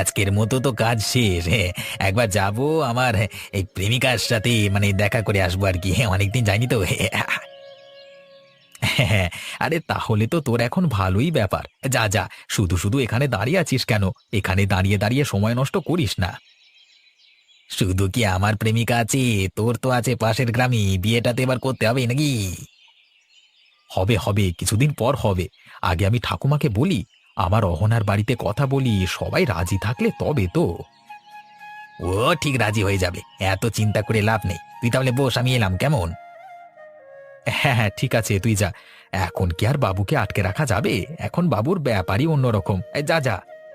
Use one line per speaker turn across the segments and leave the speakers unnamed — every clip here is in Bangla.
আজকের মতো তো কাজ শেষ। একবার যাব আমার এই প্রেমিকার সাথে, মানে দেখা করে আসবো আর কি। অনেকদিন যাইনি তো। হ্যাঁ, আরে তাহলে তো তোর এখন ভালোই ব্যাপার। যা যা, শুধু শুধু এখানে দাঁড়িয়ে আছিস কেন? এখানে দাঁড়িয়ে দাঁড়িয়ে সময় নষ্ট করিস না। শুধু কি আমার প্রেমিকা আছে? তোর তো আছে পাশের গ্রামে। বিয়েটা তো এবার করতে হবে নাকি? হবে হবে, কিছুদিন পর হবে। আগে আমি ঠাকুমাকে বলি, আমার অহনার বাড়িতে কথা বলি, সবাই রাজি থাকলে তবে তো। ও ঠিক রাজি হয়ে যাবে, এত চিন্তা করে লাভ নেই। তুই তাহলে বস, আমি এলাম কেমন? হ্যাঁ হ্যাঁ, ঠিক আছে, তুই যা। এখন কি আর বাবুকে আটকে রাখা যাবে? এখন বাবুর ব্যাপারই অন্যরকম। যা যা।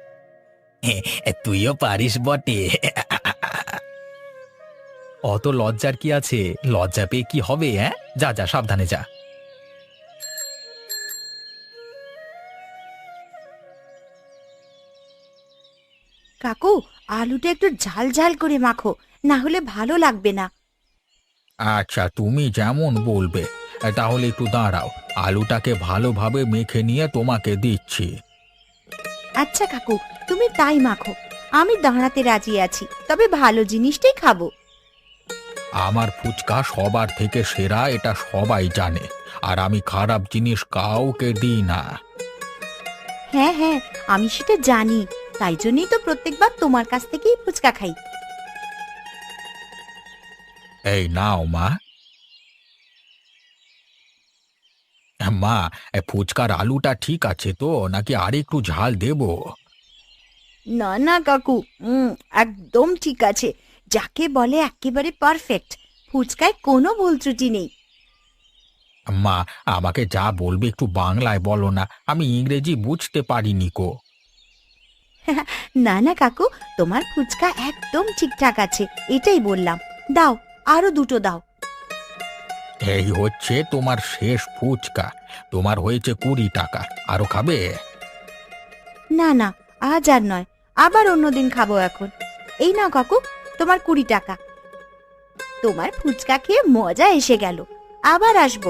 তুইও পারিস বটে। অত লজ্জার কি আছে? লজ্জা পেয়ে কি হবে? হ্যাঁ, যা যা, সাবধানে যা।
কাকু, আলুটা একটু ঝাল ঝাল করে মাখো, না হলে ভালো লাগবে না।
আচ্ছা, তুমি যেমন বলবে। তাহলে একটু দাঁড়াও, আলুটাকে ভালোভাবে মেখে নিয়ে তোমাকে দিচ্ছি।
আচ্ছা কাকু, তুমি তাই মাখো। আমি দাঁড়াতে রাজি আছি, তবে ভালো জিনিসটাই খাবো।
আমার ফুচকা সবার থেকে সেরা, এটা সবাই জানে। আর আমি খারাপ জিনিস কাউকে দিই না।
হ্যাঁ হ্যাঁ, আমি সেটা জানি। তাই জন্যই তো প্রত্যেকবার তোমার কাছ থেকেই ফুচকা খাই।
এই নাও মা। মা, ফুচকার আলুটা ঠিক আছে তো, নাকি আর একটু ঝাল দেবো?
না না কাকু, একদম ঠিক আছে। যাকে বলে একেবারে পারফেক্ট। ফুচকায় কোনো ভুল ত্রুটি নেই।
মা, আমাকে যা বলবে একটু বাংলায় বলো না, আমি ইংরেজি বুঝতে পারিনি কো।
না না কাকু, তোমার ফুচকা একদম ঠিকঠাক আছে, এটাই বললাম। দাও, আরো দুটো দাও।
এই হচ্ছে তোমার শেষ ফুচকা। তোমার হয়েছে 20 টাকা। আরো খাবে?
না না, আজ আর নয়, আবার অন্যদিন খাবো এখন। এই নাও কাকু, তোমার 20 টাকা। তোমার ফুচকা খেয়ে মজা এসে গেল, আবার আসবো।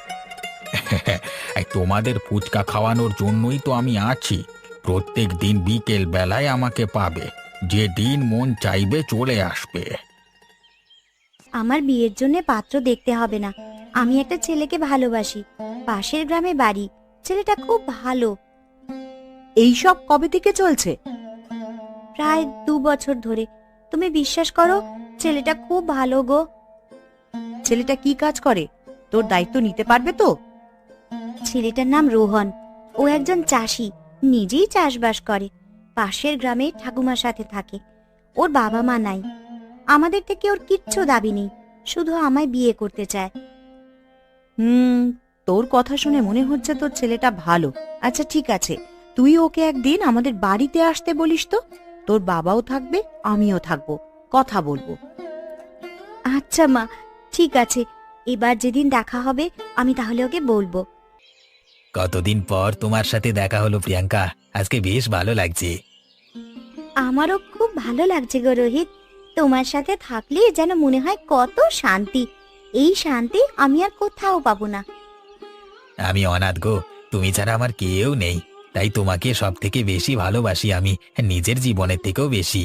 এই তোমাদের ফুচকা খাওয়ানোর জন্যই তো আমি আছি। প্রত্যেক দিন বিকেল বেলায় আমাকে পাবে। যে দিন মন চাইবে চলে আসবে।
আমার বিয়ের জন্য পাত্র দেখতে হবে না। আমি একটা ছেলেকে ভালোবাসি, পাশের গ্রামে বাড়ি। ছেলেটা খুব ভালো।
এই সব কবে থেকে চলছে?
প্রায় 2 বছর ধরে। তুমি বিশ্বাস করো, ছেলেটা খুব ভালো গো।
ছেলেটা কি কাজ করে? তোর দায়িত্ব নিতে পারবে তো?
ছেলেটার নাম রোহন। ও একজন চাষি, নিজেই চাষবাস করে। পাশের গ্রামে ঠাকুমার সাথে থাকে। ওর বাবা মা নাই। আমাদের থেকে ওর কিচ্ছু দাবি নেই, শুধু আমায় বিয়ে করতে চায়।
হুম, তোর কথা শুনে মনে হচ্ছে তোর ছেলেটা ভালো। আচ্ছা ঠিক আছে, তুই ওকে একদিন আমাদের বাড়িতে আসতে বলিস তো। তোর বাবাও থাকবে, আমিও থাকবো, কথা বলবো।
আচ্ছা মা, ঠিক আছে। এবার যেদিন দেখা হবে আমি তাহলে ওকে বলবো।
কতদিন পর তোমার সাথে দেখা হলো প্রিয়াঙ্কা, আজকে বেশ ভালো লাগছে।
আমারও খুব ভালো লাগছে গো রোহিত। তোমার সাথে থাকলে যেন মনে হয় কত শান্তি। এই শান্তি আমি আর কোথাও পাবো না।
আমি অনাথ গো, তুমি ছাড়া আমার কেউ নেই। তাই তোমাকে সব থেকে বেশি ভালোবাসি আমি, নিজের জীবনের থেকেও বেশি।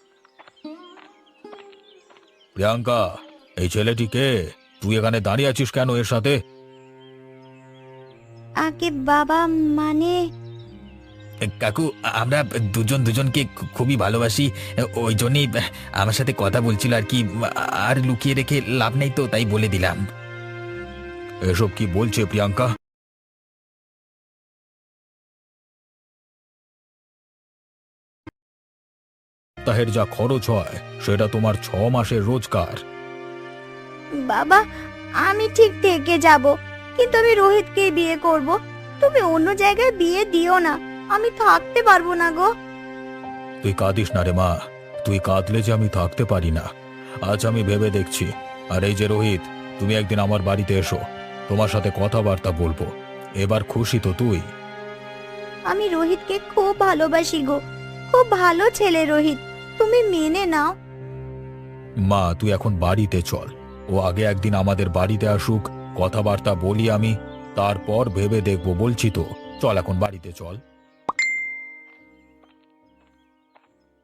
প্রিয়াঙ্কা, এই ছেলেটি কে? তুই এখানে দাঁড়িয়ে আছিস কেন এর সাথে?
আগে বাবা, মানে
কাকু, আমরা দুজন দুজনকে খুবই ভালোবাসি। ওই জন্যই আমার সাথে কথা বলছিল আর কি। আর লুকিয়ে রেখে লাভ নেই তো, তাই বলে দিলাম। এসব কি বলছে প্রিয়াঙ্কা? সপ্তাহের যা খরচ হয় সেটা তোমার 6 মাসের রোজগার।
বাবা, আমি ঠিক থেকে যাব, কিন্তু আমি রোহিতকে বিয়ে করব। তুমি অন্য জায়গায় বিয়ে দিও না, আমি থাকতে পারবো না গো।
তুই কাঁদিস না রে মা, তুই কাঁদলে যে আমি থাকতে পারি না। আজ আমি ভেবে দেখছি। আর এই যে রোহিত, তুমি একদিন আমার বাড়িতে এসো, তোমার সাথে কথাবার্তা বলবো। এবার খুশি তো তুই?
আমি রোহিতকে খুব ভালোবাসি গো, খুব ভালো ছেলে রোহিত, তুমি মেনে নাও।
মা, তুই এখন বাড়িতে চল। ও আগে একদিন আমাদের বাড়িতে আসুক, কথাবার্তা বলি আমি, তারপর ভেবে দেখবো, বলছি তো। চল এখন বাড়িতে চল।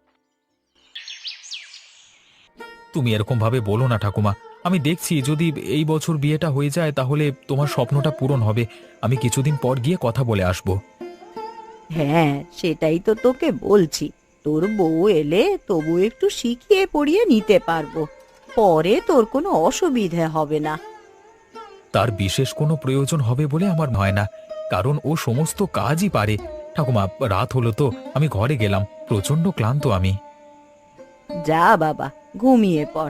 তুমি এরকম ভাবে বলো না ঠাকুমা। আমি দেখছি যদি এই বছর বিয়েটা হয়ে যায় তাহলে তোমার স্বপ্নটা পূরণ হবে। আমি কিছুদিন পর গিয়ে কথা বলে আসবো।
হ্যাঁ, সেটাই তো তোকে বলছি। তোর বউ এলে তবু একটু শিখিয়ে পড়িয়ে নিতে পারবো, পরে তোর কোনো অসুবিধে হবে না।
তার বিশেষ কোনো প্রয়োজন হবে বলে আমার হয় না, কারণ ও সমস্ত কাজই পারে। ঠাকুমা, রাত হলো তো, আমি ঘরে গেলাম, প্রচন্ড ক্লান্ত আমি।
যা বাবা, ঘুমিয়ে পড়।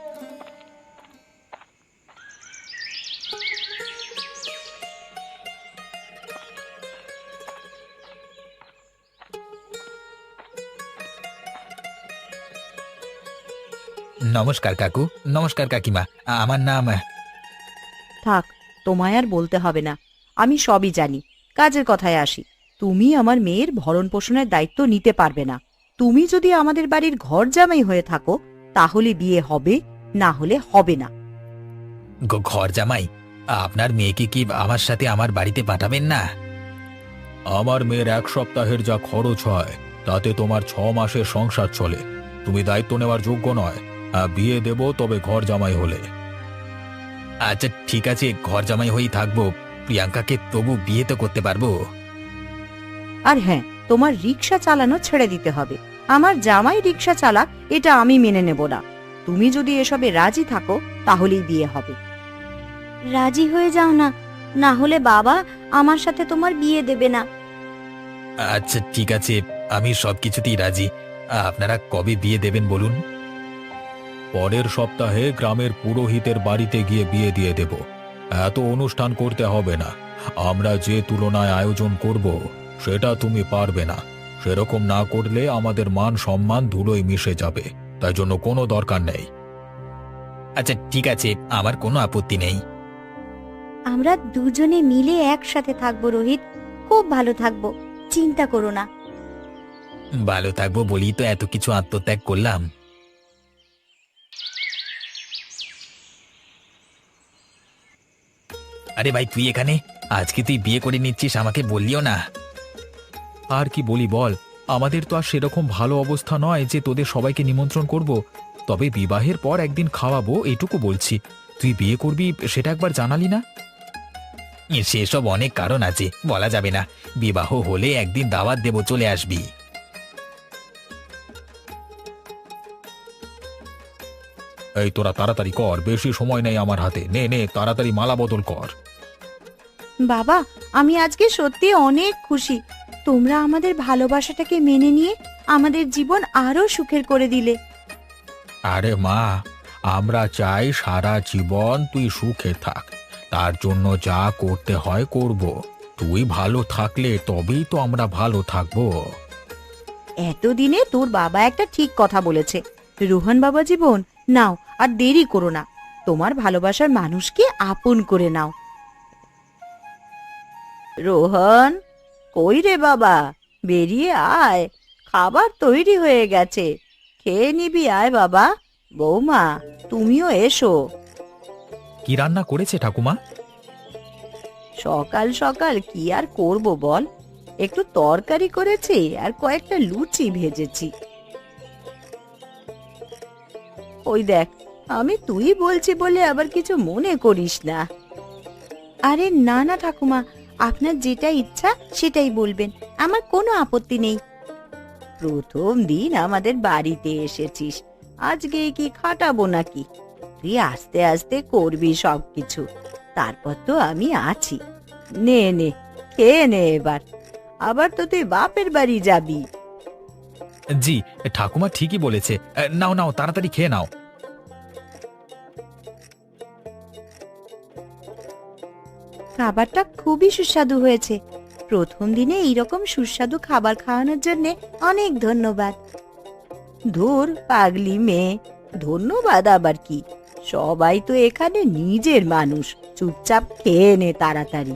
নমস্কার কাকু। নমস্কার কাকিমা। আমার নাম
থাক, তোমায় আর বলতে হবে না, আমি সবই জানি। কাজের কথায় আসি, তুমি আমার মেয়ের ভরণ পোষণের দায়িত্ব নিতে পারবে না। তুমি যদি আমাদের বাড়ির ঘর জামাই হয়ে থাকো তাহলে বিয়ে হবে, না হলে হবে না।
ঘর জামাই? আপনার মেয়েকে কি আমার সাথে আমার বাড়িতে পাঠাবেন না? আমার মেয়ের 1 সপ্তাহের যা খরচ হয় তাতে তোমার 6 মাসের সংসার চলে। তুমি দায়িত্ব নেওয়ার যোগ্য নয়। বিয়ে দেব তবে ঘর জামাই হলে। আচ্ছা ঠিক আছে, ঘর জামাই হয়েই থাকবো। প্রিয়াঙ্কাকে তবু বিয়ে তো করতে পারবো।
আর হ্যাঁ, তোমার রিক্সা চালানো ছেড়ে দিতে হবে। আমার জামাই রিক্সা চালাক, এটা আমি মেনে নেব না। তুমি যদি এসবে রাজি থাকো তাহলেই বিয়ে হবে।
রাজি হয়ে যাও না, না হলে বাবা আমার সাথে তোমার বিয়ে দেবে না।
আচ্ছা ঠিক আছে, আমি সবকিছুতেই রাজি। আপনারা কবে বিয়ে দেবেন বলুন? পরের সপ্তাহে গ্রামের পুরোহিতের বাড়িতে গিয়ে বিয়ে দিয়ে দেব। এত অনুষ্ঠান করতে হবে না। আমরা যে তুলনায় আয়োজন করব সেটা তুমি পারবে না। সেরকম না করলে আমাদের মান সম্মান ধুলোয় মিশে যাবে। তাই জন্য কোনো দরকার নেই। আচ্ছা ঠিক আছে, আমার কোনো আপত্তি নেই।
আমরা দুজনে মিলে একসাথে থাকবো রোহিত, খুব ভালো থাকবো, চিন্তা করো না।
ভালো থাকবো বলি তো এত কিছু আত্মত্যাগ করলাম। আরে ভাই, তুই এখানে? আজকে তুই বিয়ে করে নিচ্ছিস, আমাকে বললিও না। আর কি বলি বল, আমাদের তো আর সেরকম ভালো অবস্থা নয় যে তোদের সবাইকে নিমন্ত্রণ করব। তবে বিবাহের পর একদিন খাওয়াবো, এটুকু বলছি। তুই বিয়ে করবি সেটা একবার জানালি না। সেসব অনেক কারণ আছে, বলা যাবে না। বিবাহ হলে একদিন দাওয়াত দেব, চলে আসবি। এই তোরা তাড়াতাড়ি কর, বেশি সময় নেই আমার হাতে। নে নে, তাড়াতাড়ি মালা বদল কর।
বাবা, আমি আজকে সত্যি অনেক খুশি। তোমরা আমাদের ভালোবাসাটাকে মেনে নিয়ে আমাদের জীবন আরো সুখের করে দিলে।
আরে মা, আমরা চাই সারা জীবন তুই সুখে থাক। তার জন্য যা করতে হয় করব। তুই ভালো থাকলে তবেই তো আমরা ভালো থাকবো।
এতদিনে তোর বাবা একটা ঠিক কথা বলেছে। রোহন বাবা জীবন, নাও আর দেরি করো না, তোমার ভালোবাসার মানুষকে আপন করে নাও। রোহন, কই রে বাবা, বেরিয়ে আয়, খাবার তৈরি হয়ে গেছে, খেয়ে নিবি, আয় বাবা। বৌমা, তুমিও এসো।
কি রান্না করেছে ঠাকুমা?
সকাল সকাল কি আর করব বল, একটু তরকারি করেছি আর কয়েকটা লুচি ভেজেছি। ওই দেখ, আমি তুই বলছি বলে আবার কিছু মনে করিস না। আরে না না ঠাকুমা, আপনার যেটা ইচ্ছা সেটাই বলবেন, আমার কোনো আপত্তি নেই। প্রথম দিন আমাদের বাড়িতে এসেছিস, আজকে কি খাটাবো নাকি? তুই আস্তে আস্তে করবি সবকিছু, তারপর তো আমি আছি। নে নে, খেয়ে নে এবার, আবার তো তুই বাপের বাড়ি যাবি।
জি, ঠাকুমা ঠিকই বলেছে। নাও নাও, তাড়াতাড়ি খেয়ে নাও।
খাবারটা খুবই সুস্বাদু হয়েছে। প্রথম দিনে এইরকম সুস্বাদু খাবার খাওয়ানোর জন্য অনেক ধন্যবাদ। ধুর পাগলি মেয়ে, ধন্যবাদ আবার কি? সবাই তো এখানে নিজের মানুষ, চুপচাপ খেয়ে নে তাড়াতাড়ি।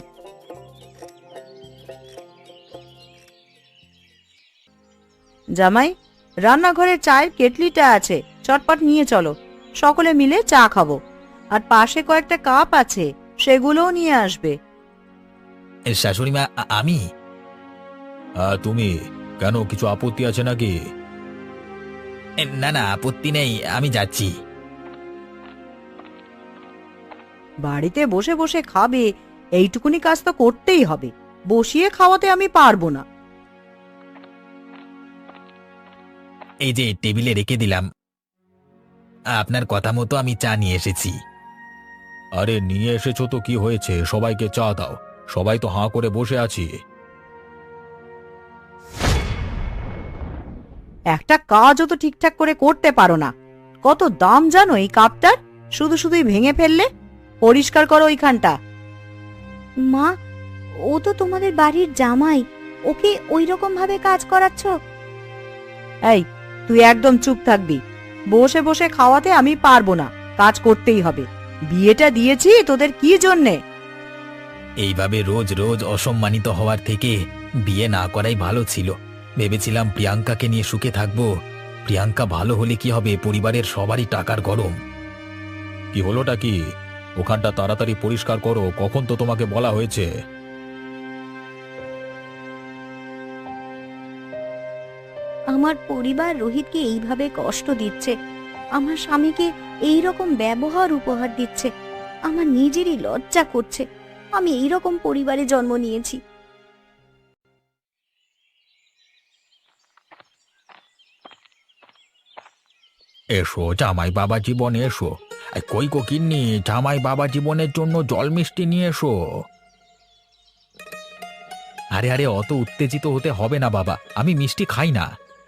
জামাই, রান্নাঘরে চায়ের কেটলিটা আছে, চটপট নিয়ে চলো, সকলে মিলে চা খাবো। আর পাশে কয়েকটা কাপ আছে, সেগুলোও নিয়ে আসবে।
শাশুড়ি মা, আমি? তুমি কেন, কিছু আপত্তি আছে নাকি? না না, আপত্তি নেই, আমি যাচ্ছি।
বাড়িতে বসে বসে খাবে, এইটুকুনি কাজ তো করতেই হবে। বসিয়ে খাওয়াতে আমি পারবো না।
এই যে টেবিলে রেখে দিলাম, আপনার কথা মতো আমি চা নিয়ে এসেছি। আরে নিয়ে এসেছো তো কি হয়েছে, সবাইকে চা দাও, সবাই তো হাঁ করে বসে আছি।
একটা কাজও তো ঠিকঠাক করে করতে পারো না। কত দাম জানো এই কাপটার? শুধু শুধুই ভেঙে ফেললে। পরিষ্কার করো ওইখানটা।
মা, ও তো তোমাদের বাড়ির জামাই, ওকে ওই রকম ভাবে কাজ করাচ্ছ?
এই, তুই একদম চুপ থাকবি। বসে বসে খাওয়াতে আমি পারবো না, কাজ করতেই হবে। বিয়েটা দিয়েছি তোদের কি জন্যে?
এইভাবে রোজ রোজ অসম্মানিত হওয়ার থেকে বিয়ে না করাই ভালো ছিল। ভেবেছিলাম প্রিয়াঙ্কাকে নিয়ে সুখে থাকবো। প্রিয়াঙ্কা ভালো হলে কি হবে, পরিবারের সবারই টাকার গরম। কি হলোটা কি? ওখানটা তাড়াতাড়ি পরিষ্কার করো, কখন তো তোমাকে বলা হয়েছে।
আমার পরিবার রোহিতকে এইভাবে কষ্ট দিচ্ছে, আমার স্বামীকে এই রকম ব্যবহার উপহার দিচ্ছে। আমার নিজেরই লজ্জা করছে, আমি এই রকম পরিবারে জন্ম নিয়েছি।
এসো জামাই বাবা জীবনে এসো। কই গো কিন্নি, জামাই বাবা জীবনের জন্য জল মিষ্টি নিয়ে এসো। আরে আরে, অত উত্তেজিত হতে হবে না বাবা, আমি মিষ্টি খাই না।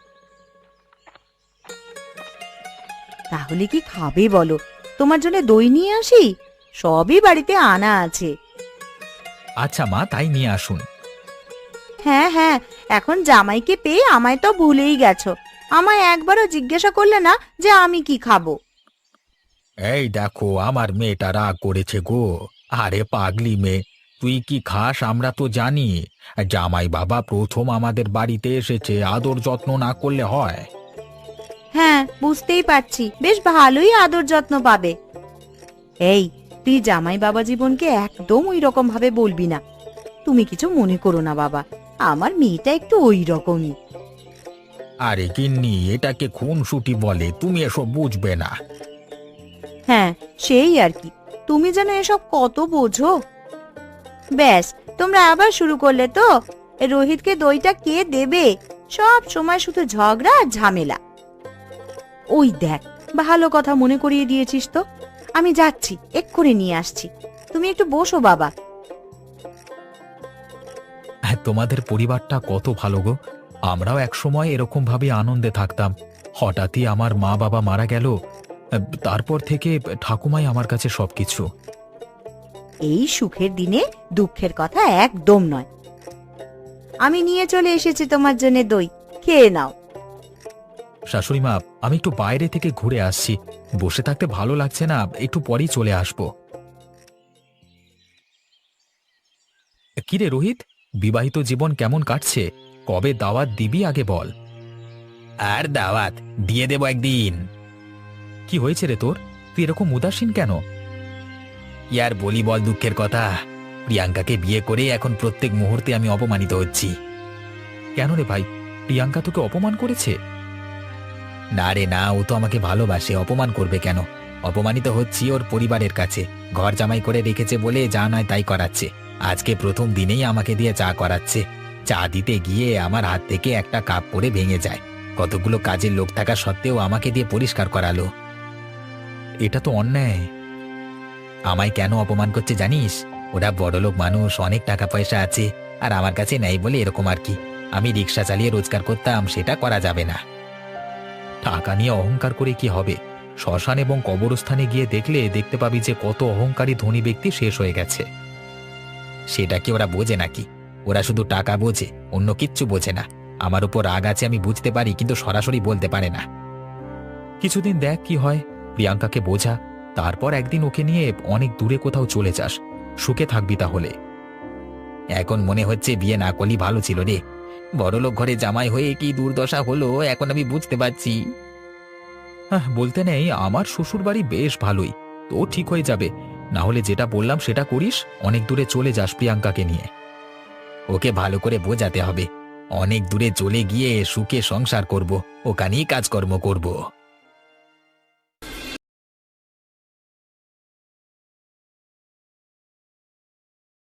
তাহলে কি খাবে বলো? তোমার জন্য দই নিয়ে আসি? সবই বাড়িতে আনা আছে।
আচ্ছা মা, তাই নিয়ে আসুন।
হ্যাঁ হ্যাঁ, এখন জামাইকে পেয়ে আমায় তো ভুলেই গেছো। আমায় একবারও জিজ্ঞাসা করলে না যে আমি কি খাবো।
এই দেখো, আমার মেয়েটা রাগ করেছে গো। আরে পাগলি মেয়ে, তুই কি খাস আমরা তো জানি। জামাই বাবা প্রথম আমাদের বাড়িতে এসেছে, আদর যত্ন না করলে হয়?
হ্যাঁ, বুঝতেই পারছি, বেশ ভালোই আদর যত্ন পাবে। এই, তুই জামাই বাবা জীবনকে একদম ওই রকম ভাবে বলবি না। তুমি কিছু মনে করো না বাবা, আমার মেয়েটা একটু ওই রকমই।
আরে গিন্নি, এটাকে খুনসুটি বলে, তুমি এসব বুঝবে না।
হ্যাঁ, সেই আর কি, তুমি যেন এসব কত বোঝো। ব্যাস, তোমরা আবার শুরু করলে তো। রোহিতকে দইটা কে দেবে? সব সময় শুধু ঝগড়া আর ঝামেলা। ওই দেখ, ভালো কথা মনে করিয়ে দিয়েছিস তো। আমি যাচ্ছি, এক্ষুনি নিয়ে আসছি। তুমি একটু বসো বাবা।
হ্যাঁ, তোমাদের পরিবারটা কত ভালো গো। আমরাও একসময় এরকম ভাবে আনন্দে থাকতাম। হঠাৎই আমার মা বাবা মারা গেল, তারপর থেকে ঠাকুমাই আমার কাছে সবকিছু।
এই সুখের দিনে দুঃখের কথা একদম নয়। আমি নিয়ে চলে এসেছি তোমার জন্য দই, খেয়ে নাও।
শাশুড়ি মা, আমি একটু বাইরে থেকে ঘুরে আসছি, বসে থাকতে ভালো লাগছে না, একটু পরেই চলে আসবো। কিরে রোহিত, বিবাহিত জীবন কেমন কাটছে? কবে দাওয়াত দিবি আগে বল। আর দাওয়াত দিয়ে দেব একদিন। কি হয়েছে রে তোর, তুই এরকম উদাসীন কেন? ইয়ার বলি বল দুঃখের কথা, প্রিয়াঙ্কাকে বিয়ে করে এখন প্রত্যেক মুহূর্তে আমি অপমানিত হচ্ছি। কেন রে ভাই, প্রিয়াঙ্কা তোকে অপমান করেছে? না রে না, ও তো আমাকে ভালোবাসে, অপমান করবে কেন? অপমানিত হচ্ছি ওর পরিবারের কাছে। ঘর জামাই করে রেখেছে বলে যা নয় তাই করাচ্ছে। আজকে প্রথম দিনেই আমাকে দিয়ে চা করাচ্ছে। চা দিতে গিয়ে আমার হাত থেকে একটা কাপ পড়ে ভেঙে যায়। কতগুলো কাজের লোক থাকা সত্ত্বেও আমাকে দিয়ে পরিষ্কার করালো। এটা তো অন্যায়। আমায় কেন অপমান করছে জানিস? ওরা বড়লোক মানুষ, অনেক টাকা পয়সা আছে, আর আমার কাছে নেই বলে এরকম আর কি। আমি রিক্সা চালিয়ে রোজগার করতাম, সেটা করা যাবে না। টাকা নিয়ে অহংকার করে কি হবে? শ্মশান এবং কবরস্থানে গিয়ে দেখলে দেখতে পাবি যে কত অহংকারী ধনী ব্যক্তি শেষ হয়ে গেছে। সেটা কি ওরা বোঝে নাকি? ওরা শুধু টাকা বোঝে, অন্য কিচ্ছু বোঝে না। আমার উপর রাগ আছে আমি বুঝতে পারি, কিন্তু সরাসরি বলতে পারে না। কিছুদিন দেখ কি হয়, প্রিয়াঙ্কাকে বোঝা, তারপর একদিন ওকে নিয়ে অনেক দূরে কোথাও চলে যাস, সুখে থাকবি তাহলে। এখন মনে হচ্ছে বিয়ে না করলেই ভালো ছিল রে। বড়লোক ঘরে জামাই হয়ে কি দুর্দশা হলো এখন আমি বুঝতে পারছি। হ্যাঁ, বলতে নেই, আমার শ্বশুর বাড়ি বেশ ভালোই, তো ঠিক হয়ে যাবে। না হলে যেটা বললাম সেটা করিস, অনেক দূরে চলে যাস প্রিয়াঙ্কাকে নিয়ে। ওকে ভালো করে বোঝাতে হবে, অনেক দূরে চলে গিয়ে সুখে সংসার করব, ওখানেই কাজকর্ম করব।